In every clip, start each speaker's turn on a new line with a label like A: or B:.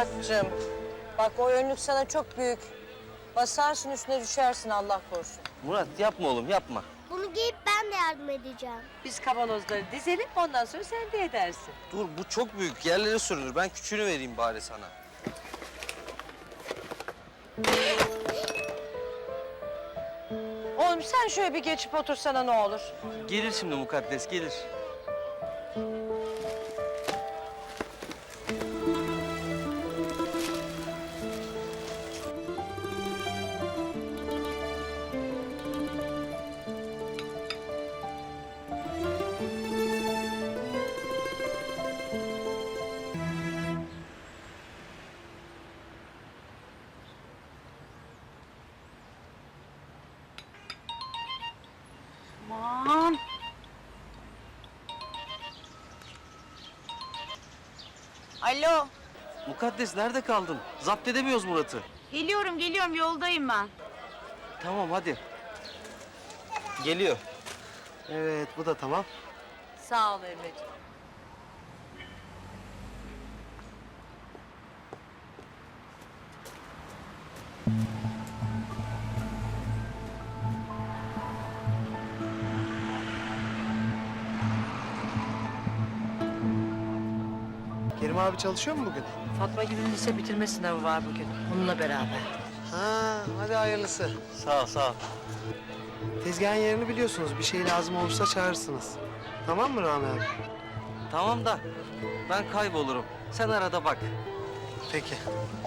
A: Muratcığım, bak o önlük sana çok büyük. Basarsın üstüne düşersin Allah korusun.
B: Murat yapma oğlum yapma.
C: Bunu giyip ben de yardım edeceğim.
A: Biz kavanozları dizelim ondan sonra sen de edersin.
B: Dur bu çok büyük yerlere sürünür. Ben küçüğünü vereyim bari sana.
A: Oğlum sen şöyle bir geçip otursana ne olur.
B: Gelir şimdi mukaddes gelir.
D: Aman. Alo.
B: Mukaddes nerede kaldın? Zapt edemiyoruz Murat'ı.
D: Geliyorum yoldayım ben.
B: Tamam hadi. Geliyor.
E: Evet, bu da tamam.
A: Sağ ol Emre'ciğim.
E: Kerim abi çalışıyor mu bugün?
A: Fatma gibi lise bitirme sınavı var bugün. Onunla beraber.
E: Ha, hadi hayırlısı.
B: Sağ ol sağ ol.
E: Tezgahın yerini biliyorsunuz. Bir şey lazım olursa çağırırsınız. Tamam mı Rami abi?
B: Tamam da ben kaybolurum. Sen arada bak.
E: Peki.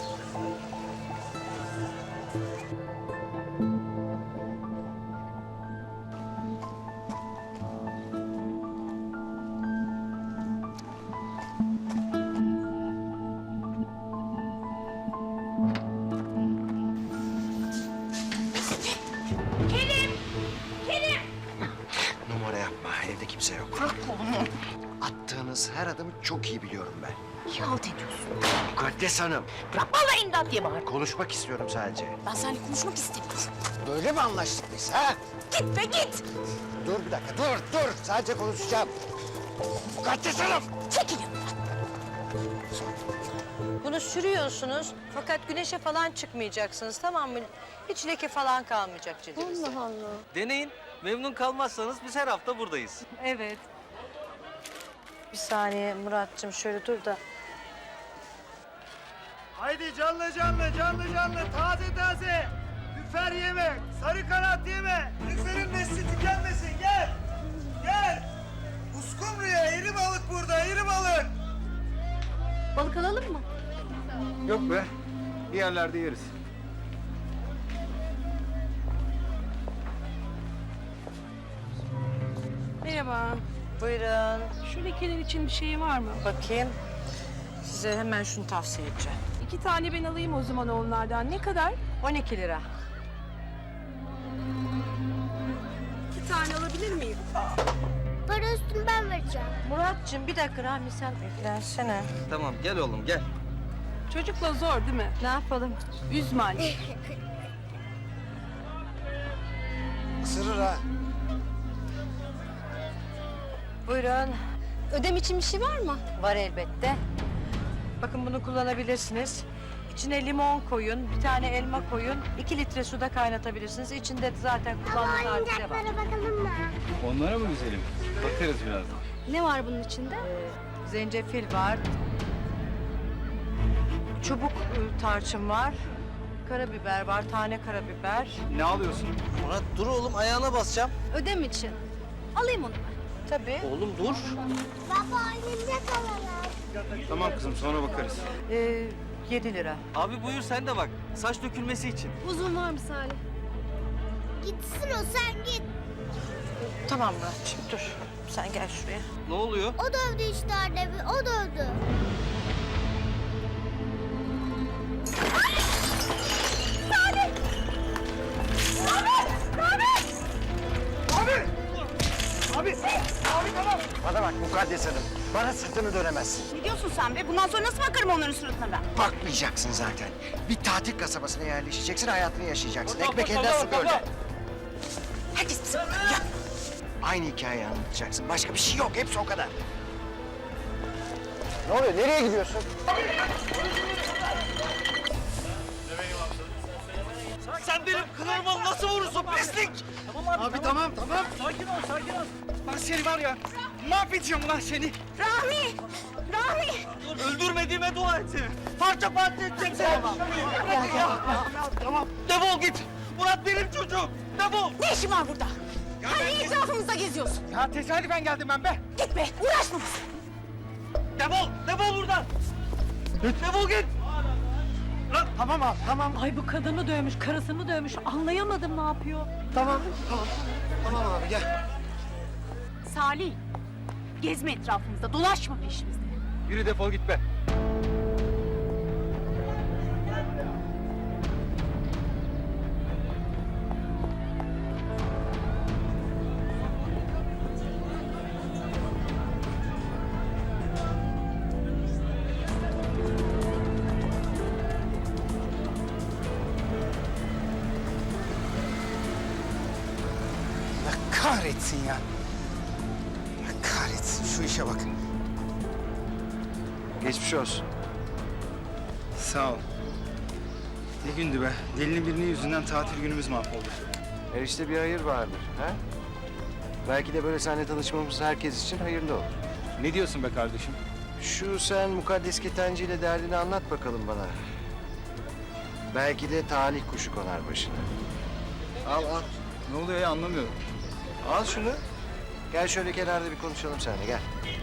F: Numara yapma. Evde kimse yok.
D: Bırak kolumu.
F: Attığınız her adımı çok iyi biliyorum ben.
D: Niye halt ediyorsun?
F: Mukaddes Hanım.
D: Bırak vallahi imdat diye bağır.
F: Konuşmak istiyorum sadece.
D: Ben seninle konuşmak istemiyorum.
F: Böyle mi anlaştık biz ha?
D: Git be git.
F: Dur bir dakika. Dur. Sadece konuşacağım. Mukaddes Hanım.
D: Çekil yanımdan.
A: Bunu sürüyorsunuz fakat güneşe falan çıkmayacaksınız tamam mı? Hiç leke falan kalmayacak cildinizde.
D: Allah Allah.
B: Deneyin. Memnun kalmazsanız biz her hafta buradayız.
A: Evet. Bir saniye Muratcığım şöyle dur da.
G: Haydi canlı taze. Lüfer yeme, sarı kanat yeme. Lüferin nesli tükenmesin, gel. Uskumru'ya iri balık burada, iri balık.
D: Balık alalım mı?
G: Yok be, bir yerlerde yeriz.
H: Merhaba.
A: Buyurun.
H: Şu lekeler için bir şey var mı?
A: Bakayım. Size hemen şunu tavsiye edeceğim.
H: 2 tane ben alayım o zaman onlardan. Ne kadar?
A: 12 lira.
H: 2 tane alabilir miyim?
C: Para üstünü ben vereceğim.
A: Muratcığım bir dakika Rahmi sen beklensene.
B: Tamam gel oğlum gel.
H: Çocukla zor değil mi?
A: Ne yapalım?
H: Üzme anne.
F: Isırır ha.
A: Buyurun.
D: Ödem için bir şey var mı?
A: Var elbette. Bakın bunu kullanabilirsiniz. İçine limon koyun, bir tane elma koyun, 2 litre suda kaynatabilirsiniz. İçinde zaten kullandığım hadise var.
C: Oyuncaklara bakalım mı?
G: Onlara mı güzelim? Bakarız birazdan.
D: Ne var bunun içinde?
A: Zencefil var. Çubuk tarçın var. Karabiber var, tane karabiber.
G: Ne alıyorsun?
B: Murat dur oğlum ayağına basacağım.
D: Ödem için. Alayım onu ben.
A: Tabii.
B: Oğlum dur.
C: Baba oyuncak alalım.
G: Tamam kızım, sonra bakarız.
A: 7 lira.
B: Abi buyur sen de bak. Saç dökülmesi için.
D: Uzun var mı Salih?
C: Gitsin o, sen git.
A: Tamam Muratcığım dur. Sen gel şuraya.
B: Ne oluyor?
C: O dövdü işte annemi, o dövdü.
F: Bana bak Mukaddes Hanım. Bana sırtını dönemezsin.
D: Ne diyorsun sen be? Bundan sonra nasıl bakarım onların suratına ben?
F: Bakmayacaksın zaten. Bir tatil kasabasına yerleşeceksin, hayatını yaşayacaksın. Ekmek elden su gölden.
D: Herkes bize bakıyor. Ya.
F: Aynı hikayeyi anlatacaksın. Başka bir şey yok. Hepsi o kadar. Ne oluyor? Nereye gidiyorsun?
B: Sen benim kılığıma nasıl vurursun pislik?
G: Abi tamam. Sakin ol. Ben seni var ya, mahvedeceğim lan seni.
D: Rahmi!
B: Öldürmediğime dua et seni. Parça edeceğim seni.
G: Tamam.
B: Defol git. Murat benim çocuğum. Defol.
D: Ne işin var burada? Hani etrafımızda geziyorsun?
G: Ya tesadüfen geldim ben be.
D: Git be, uğraşma bize.
B: Defol buradan. Defol git.
G: Tamam abi, tamam.
A: Ay bu kadını dövmüş, karısını dövmüş. Anlayamadım ne yapıyor.
E: Tamam abi gel.
D: Salih, gezme etrafımızda, dolaşma peşimizde.
G: Yürü defol git be.
F: Allah kahretsin ya. Allah kahretsin şu işe bak.
E: Geçmiş olsun.
G: Sağ ol. Ne gündü be. Delinin birinin yüzünden tatil günümüz mahvoldu.
E: Her işte bir hayır vardır. Ha? Belki de böyle seninle tanışmamız herkes için hayırlı olur.
G: Ne diyorsun be kardeşim?
E: Şu sen mukaddes ketenci ile derdini anlat bakalım bana. Belki de talih kuşu konar başına. Al.
G: Ne oluyor ya anlamıyorum.
E: Al şunu. Gel şöyle kenarda bir konuşalım seninle gel.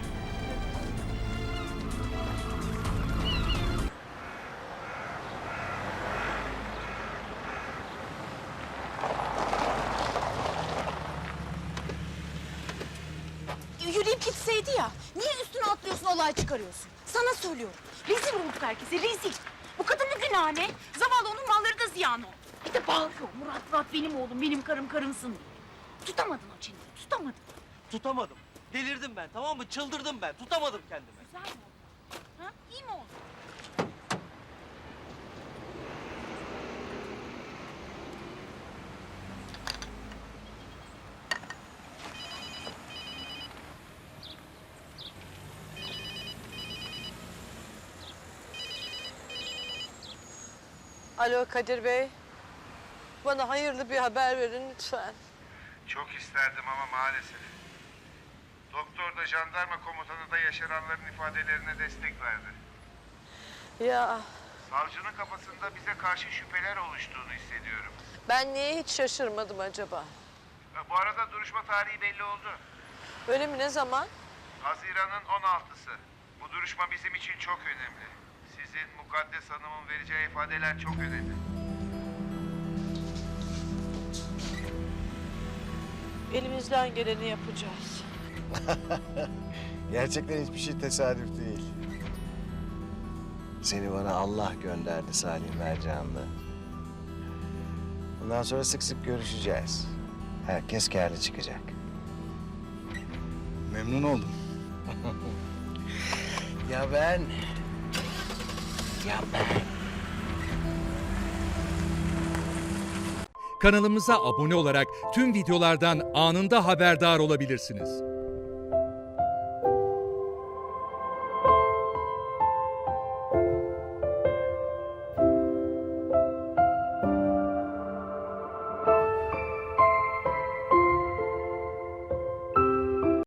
D: Yürüyüp gitseydi ya, niye üstüne atlıyorsun, olay çıkarıyorsun? Sana söylüyorum, rezil olduk herkese, rezil. Bu kadının günahı ne? Zavallı onun malları da ziyan oldu. Bir de bağırıyor, Murat benim oğlum, benim karım karımsın diye. Tutamadın o çeneni, tutamadın.
B: Tutamadım. Delirdim ben, tamam mı? Çıldırdım ben. Tutamadım kendimi.
D: Güzel mi oldu? Ha? İyi mi oldu?
A: Alo Kadir Bey. Bana hayırlı bir haber verin lütfen.
I: Çok isterdim ama maalesef. Doktor da jandarma komutanı da yaşananların ifadelerine destek verdi.
A: Ya
I: Savcının kafasında bize karşı şüpheler oluştuğunu hissediyorum.
A: ben niye hiç şaşırmadım acaba?
I: Bu arada duruşma tarihi belli oldu.
A: Öyle mi, ne zaman?
I: Haziran'ın 16'sı. Bu duruşma bizim için çok önemli. Sizin Mukaddes Hanım'ın vereceği ifadeler çok önemli.
A: Elimizden geleni yapacağız.
E: Gerçekten hiçbir şey tesadüf değil. Seni bana Allah gönderdi Salim Mercanlı. Bundan sonra sık sık görüşeceğiz. Herkes kârlı çıkacak.
G: Memnun oldum.
E: Ya ben?
J: Kanalımıza abone olarak tüm videolardan anında haberdar olabilirsiniz.